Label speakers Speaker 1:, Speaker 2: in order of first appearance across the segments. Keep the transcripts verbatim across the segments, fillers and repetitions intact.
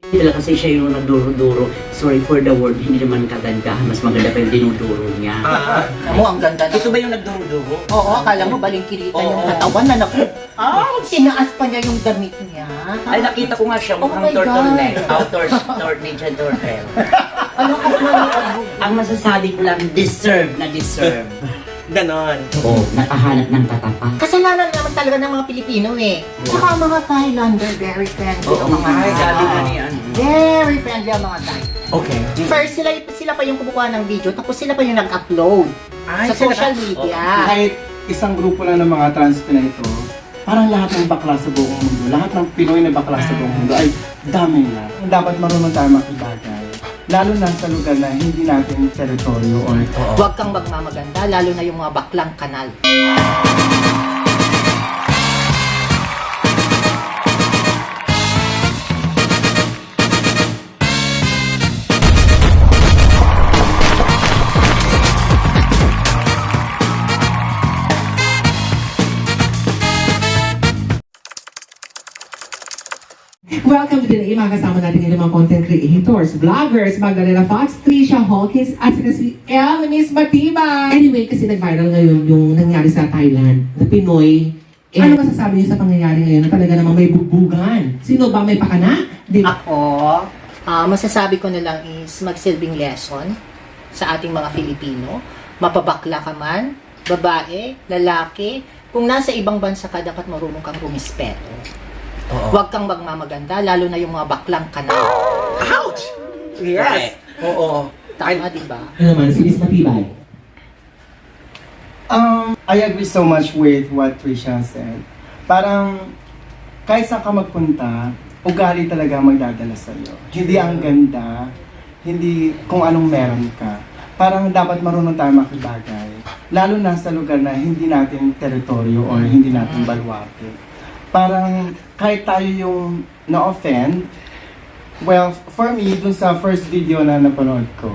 Speaker 1: Talaga kasi siya yung nagduro-duro. Sorry for the word, hindi naman kaganda. Mas maganda pa yung dinuduro niya.
Speaker 2: Ah,
Speaker 3: Mo, ang ganda na.
Speaker 1: Ito ba yung nagduro-duro?
Speaker 3: Oo, akala mo balingkirita
Speaker 1: Oo.
Speaker 3: yung katawan na naku. Ah, tinaas pa niya yung damit niya.
Speaker 1: Ay, nakita ko nga siya,
Speaker 3: Oh
Speaker 1: mukhang
Speaker 3: my
Speaker 1: turtleneck.
Speaker 3: God.
Speaker 1: Oh, tor- tor- Ninja Turtle.
Speaker 3: Ano ka ano?
Speaker 1: Ang masasabi ko lang, deserve na deserve.
Speaker 2: ganon.
Speaker 1: Oo, nakahanap ng katapat.
Speaker 3: Kasalanan naman talaga ng mga Pilipino eh. Tsaka ang mga Thailander, very friendly
Speaker 1: Oo,
Speaker 3: ang mga
Speaker 1: ay,
Speaker 3: Thai.
Speaker 1: sabi nga niya.
Speaker 3: Very friendly ang mga Thai.
Speaker 2: Okay.
Speaker 3: First, sila, sila pa yung kumukuha ng video, tapos sila pa yung nag-upload
Speaker 2: Ay,
Speaker 3: sa
Speaker 2: sila
Speaker 3: social
Speaker 2: pa-
Speaker 3: media.
Speaker 4: Kahit isang grupo lang ng mga trans Pinay ito, parang lahat ng bakla sa buong mundo, lahat ng Pinoy na bakla sa buong mundo ay dami na. Dapat marunong tayo makibagay. Lalo na sa lugar na hindi natin teritoryo or
Speaker 3: Huwag kang magmamaganda, lalo na yung mga baklang kanal.
Speaker 5: Welcome to today, mga kasama natin ngayon mga content creators, vloggers, Magdalena Fox, Trisha Hawkins, at saka si Elmis Matibay. Anyway, kasi nag-viral ngayon yung nangyari sa Thailand na Pinoy. Eh, ano masasabi niyo sa pangyayari ngayon na talaga namang may bugbugan? Sino ba may pakana? Di ba?
Speaker 3: Ako, ah, masasabi ko na lang is magsilbing lesson sa ating mga Filipino. Mapabakla ka man, babae, lalaki, kung nasa ibang bansa ka, dapat marunong kang rumispeto.
Speaker 2: Oo.
Speaker 3: Huwag kang magmamaganda, lalo na yung mga baklang kanal.
Speaker 2: Ouch! Yes! Oo.
Speaker 3: Tama, di ba?
Speaker 5: Ano naman, si Miss Matibay.
Speaker 4: Um, I agree so much with what Trisha said. Parang, kahit saan ka magpunta, ugali talaga ang magdadala sa'yo. Hindi ang ganda, hindi kung anong meron ka. Parang dapat marunong tayo makibagay. Lalo na sa lugar na hindi natin teritoryo or hindi natin baluarte. Parang, kahit tayo yung na-offend, well, for me, dun sa first video na napanood ko,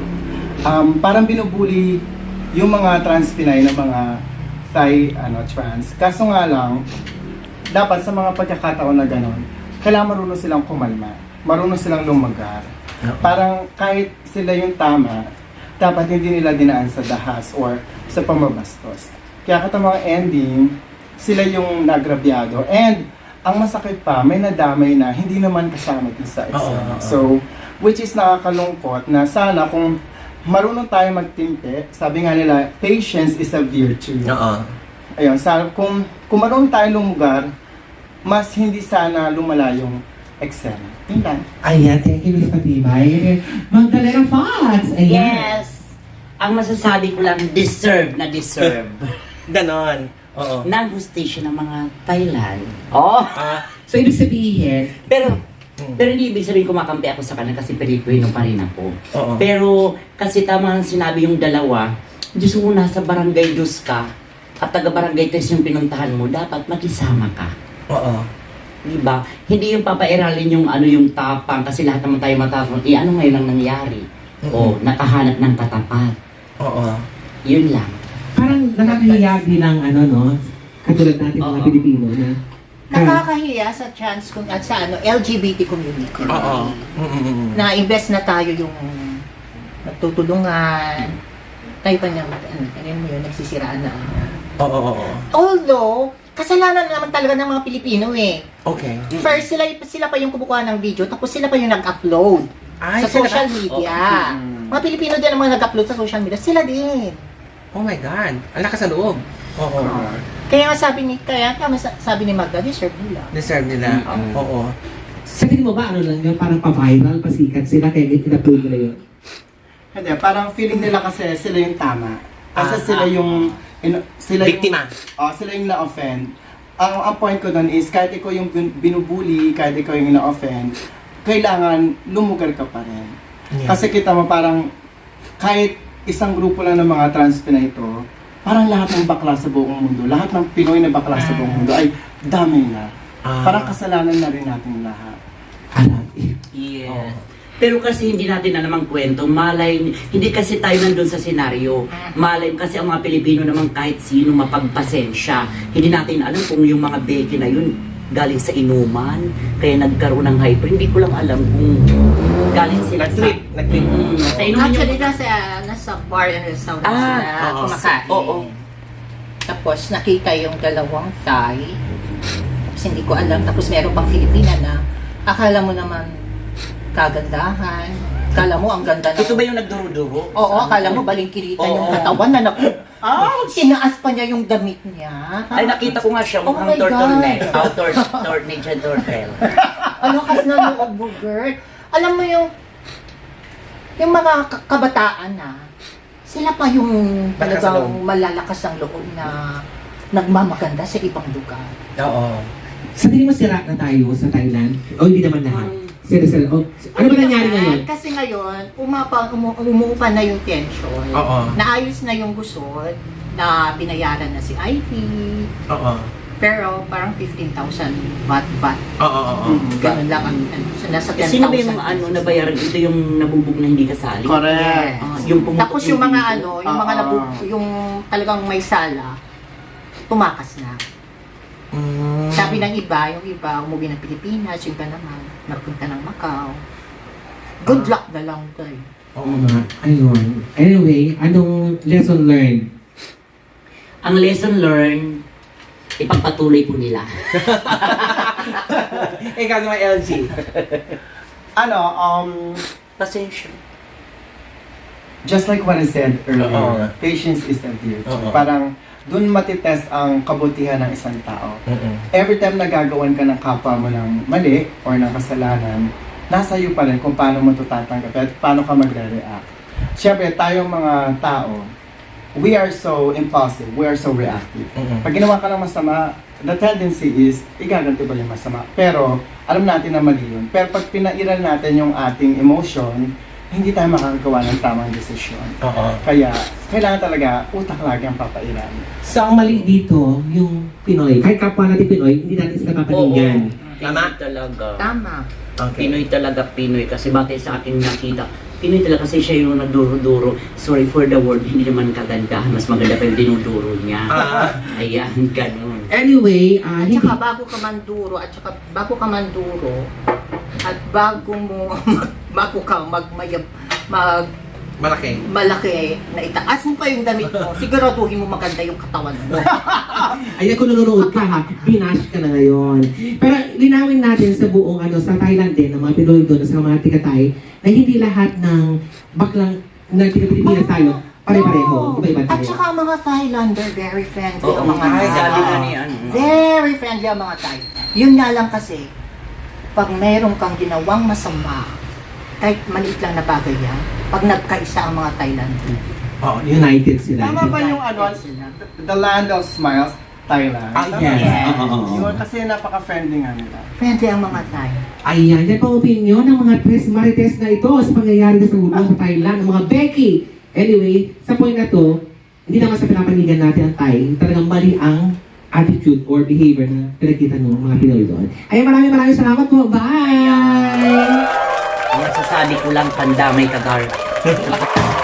Speaker 4: um, parang binubuli yung mga trans Pinay na mga Thai ano, trans. Kaso nga lang, dapat sa mga pagkakataon na gano'n, kailangan marunong silang kumalma. Marunong silang lumagar. Parang kahit sila yung tama, dapat hindi nila dinaan sa dahas or sa pamabastos. Kaya katamang ending, sila yung nagrabyado. And, ang masakit pa, may nadamay na hindi naman kasama din sa isa.
Speaker 2: Oo, oo.
Speaker 4: So, which is nakakalungkot na sana kung marunong tayo magtimpe, sabi nga nila, patience is a virtue.
Speaker 2: Oo.
Speaker 4: Ayun, sa, kung, kung marunong tayo lumugar, mas hindi sana lumala yung eksena. Yun lang.
Speaker 5: Ayan, thank you, Miss Matibay. Magdalena Fox! Ayan.
Speaker 1: Yes! Ang masasabi ko lang, deserve na deserve.
Speaker 2: Ganon. Oo.
Speaker 1: ng hustisya ng mga Thailand. Oh!
Speaker 2: Ah,
Speaker 5: So, ibig sabihin,
Speaker 1: Pero, pero hindi ibig sabihin kumakampi ako sa kanila kasi Pilipino pa rin ako.
Speaker 2: oo.
Speaker 1: Pero, kasi tama ang sinabi yung dalawa, Diyos mo nasa barangay dos ka, at taga-barangay tres yung pinuntahan mo, dapat makisama ka.
Speaker 2: Oo.
Speaker 1: Diba? Hindi yung papairalin yung ano yung tapang kasi lahat naman tayo matapang. Eh, ano ngayon ang nangyari? O, nakahanap ng katapat.
Speaker 2: Oo.
Speaker 1: Yun lang.
Speaker 5: parang nakakahiya bilang ano, no? Katulad natin mga
Speaker 1: Oo.
Speaker 5: Pilipino na
Speaker 3: Nakakahiya sa chance kung at sa ano, L G B T community.
Speaker 2: Oo. Mm-mm.
Speaker 3: Na invest na tayo yung nagtutulungan. Tayo pa niyang, ano, ano mo yun, nagsisiraan na.
Speaker 2: Oo, oo, oo.
Speaker 3: Although, kasalanan naman talaga ng mga Pilipino eh.
Speaker 2: Okay.
Speaker 3: First, sila, sila pa yung kumukuha ng video, tapos sila pa yung nag-upload
Speaker 2: Ay,
Speaker 3: sa
Speaker 2: sila
Speaker 3: social
Speaker 2: pa-
Speaker 3: media.
Speaker 1: Mm.
Speaker 3: Mga Pilipino din ang mga nag-upload sa social media, sila din.
Speaker 2: Oh my God. Ang lakas sa loob. Oo.
Speaker 3: Kaya nga sabi ni, kaya tama sa- sabi ni Magda, deserve nila.
Speaker 2: Deserve nila.
Speaker 1: Mm.
Speaker 2: Oo.
Speaker 5: sa tingin mo ba ano lang yun, parang pa-viral, pasikat sila, kaya in-upload nila yun?
Speaker 4: Hindi, parang feeling nila kasi sila yung tama. Kasi
Speaker 2: Ah,
Speaker 4: sila
Speaker 2: ah.
Speaker 4: yung... ino- sila
Speaker 2: Biktima.
Speaker 4: Yung, oh, sila yung na-offend. Ang, ang point ko doon is, kahit ikaw yung bin- binubuli, kahit ikaw yung na-offend, kailangan lumugar ka pa rin.
Speaker 2: Yeah.
Speaker 4: Kasi kita mo parang, kahit isang grupo lang ng mga trans Pinay ito, parang lahat ng bakla sa buong mundo, lahat ng Pinoy na bakla sa buong mundo ay dami na.
Speaker 2: Ah.
Speaker 4: Parang kasalanan na rin natin lahat.
Speaker 5: Alam, eh.
Speaker 1: Yes. Pero kasi hindi natin na namang kwento, malay, hindi kasi tayo nandun sa senaryo. Malay, kasi ang mga Pilipino naman kahit sino mapagpasensya. Hindi natin alam kung yung mga beke na yun, galing sa inuman, kaya nagkaroon ng hyper. Hindi ko lang alam kung galing sila sa...
Speaker 2: Nag-trip, nag-trip.
Speaker 1: Mm, sa inuman yung...
Speaker 3: Actually, nasa, nasa bar and restaurant
Speaker 1: Ah,
Speaker 3: sila
Speaker 2: oo.
Speaker 3: kumakain.
Speaker 1: Oo.
Speaker 3: Tapos nakita yung dalawang Thai. Tapos hindi ko alam. Tapos meron pang Filipina na akala mo naman kagandahan. Akala mo ang ganda na.
Speaker 1: Ito ba yung nagduro-duro?
Speaker 3: Oo, akala mo balingkiritan yung
Speaker 1: Oo.
Speaker 3: katawan na naku. Ah, tinaas pa niya yung damit niya.
Speaker 1: Ay, nakita ko nga siya,
Speaker 3: Oh
Speaker 1: mukhang
Speaker 3: my
Speaker 1: turtleneck.
Speaker 3: God.
Speaker 1: Oh, tor tor ninja turtle.
Speaker 3: Ano kas na loob mo, girl? Alam mo yung yung mga ka- kabataan na sila pa yung
Speaker 2: Malakas ang
Speaker 3: talagang malalakas ang loob na nagmamaganda sa ibang lugar.
Speaker 2: Oo.
Speaker 5: Sa tingin mo sira na tayo sa Thailand? O hindi naman lahat? Sira sila. O, ano ba nangyari ngayon?
Speaker 3: Kasi ngayon, umapa, umu, umuupa na yung tension.
Speaker 2: Oo.
Speaker 3: Naayos na yung gusot, na binayaran na si Ivy.
Speaker 2: Oo.
Speaker 3: Pero parang fifteen thousand baht baht.
Speaker 2: Oo, oo, oo.
Speaker 3: Ganun lang ang ano, so nasa
Speaker 1: Eh,
Speaker 3: ten thousand.
Speaker 1: sino ba yung mga ano nabayaran? Ito yung nabubog na hindi kasali?
Speaker 4: Correct.
Speaker 1: Ah, yung pumutok
Speaker 3: Tapos yung mga
Speaker 1: dito.
Speaker 3: ano, yung mga
Speaker 4: Ah,
Speaker 3: nabu,
Speaker 4: ah.
Speaker 3: yung talagang may sala, tumakas na.
Speaker 2: Mm.
Speaker 3: Sabi ng iba, yung iba umuwi ng Pilipinas, yung iba naman nagpunta ng Macau. Good luck na lang tayo.
Speaker 5: Oo nga. Ayun. Anyway, anong lesson learned?
Speaker 1: Ang lesson learned, ipagpatuloy po nila.
Speaker 2: Ikaw naman, L G.
Speaker 4: Ano, um,
Speaker 1: Pasensya.
Speaker 4: just like what I said earlier,
Speaker 2: Oo.
Speaker 4: patience is a virtue.
Speaker 2: Oo.
Speaker 4: Parang dun matitest ang kabutihan ng isang tao.
Speaker 2: Mm-mm.
Speaker 4: Every time nagagawan ka ng kapwa mo ng mali or ng kasalanan, nasa iyo pa rin kung paano mo ito tatanggap at paano ka magre-react. Siyempre, tayong mga tao, we are so impulsive, we are so reactive.
Speaker 2: Mm-mm.
Speaker 4: Pag ginawa ka ng masama, the tendency is, igaganti ba yung masama? Pero, alam natin na mali yun. Pero pag pinairal natin yung ating emotion, hindi tayo makakagawa ng tamang desisyon.
Speaker 2: Oo.
Speaker 4: Kaya, kailangan talaga utak lagi ang papairal.
Speaker 5: So, ang mali dito, yung Pinoy. Kahit kapwa natin Pinoy, hindi natin sila papaningan.
Speaker 1: Tama talaga.
Speaker 3: Tama.
Speaker 2: Okay.
Speaker 1: Pinoy talaga, Pinoy. Kasi batay sa akin nakita, Pinoy talaga kasi siya yung nagduro-duro. Sorry for the word, hindi naman kagandahan. Mas maganda pa yung dinuduro niya.
Speaker 2: Ah.
Speaker 1: Ayan, ganun.
Speaker 5: Anyway, ah,
Speaker 3: At
Speaker 5: hindi.
Speaker 3: saka bago ka manduro, at saka bago ka manduro, at bago mo, bago ka magmayab, mag,
Speaker 2: Malaki.
Speaker 3: malaki, na itaas mo pa yung damit mo, siguraduhin mo maganda yung katawan mo.
Speaker 5: Ayan, kung nanonood ka ha, binash ka na ngayon. Pero linawin natin sa buong ano, sa Thailand din, ng mga Pinoy doon, sa mga tikatay, na hindi lahat ng baklang na Pilipinas tayo, pare-pareho. Iba-iba
Speaker 3: At
Speaker 5: tayo.
Speaker 3: saka ang mga Thailander, very friendly
Speaker 1: Oo,
Speaker 3: ang mga
Speaker 1: ay,
Speaker 3: Thai.
Speaker 1: sabi nga ni ano.
Speaker 3: Very friendly ang mga Thai. Yun nga lang kasi, pag mayroon kang ginawang masama, kahit maliit lang na bagay yan, pag nagkaisa ang mga Thailander.
Speaker 5: Oo, united sila.
Speaker 4: Tama ba yung ano, the land of smiles, Thailand?
Speaker 2: Ah,
Speaker 4: Tama
Speaker 2: yes.
Speaker 4: ba?
Speaker 5: Oo, oo, oo.
Speaker 4: Yun, kasi napaka-friendly nga nila.
Speaker 3: Friendly ang mga Thai.
Speaker 5: Ayan, yan po ang opinion ng mga tres marites na ito sa pangyayari sa ulo sa Thailand, ng mga Becky. Anyway, sa point na to, hindi naman sa pinapanigan natin ang Thai, talagang mali ang attitude or behavior na pinagkita ng mga Pinoy doon. Ayan, maraming maraming salamat po. Bye!
Speaker 1: Ang masasabi ko lang, pandamay ka, Gar.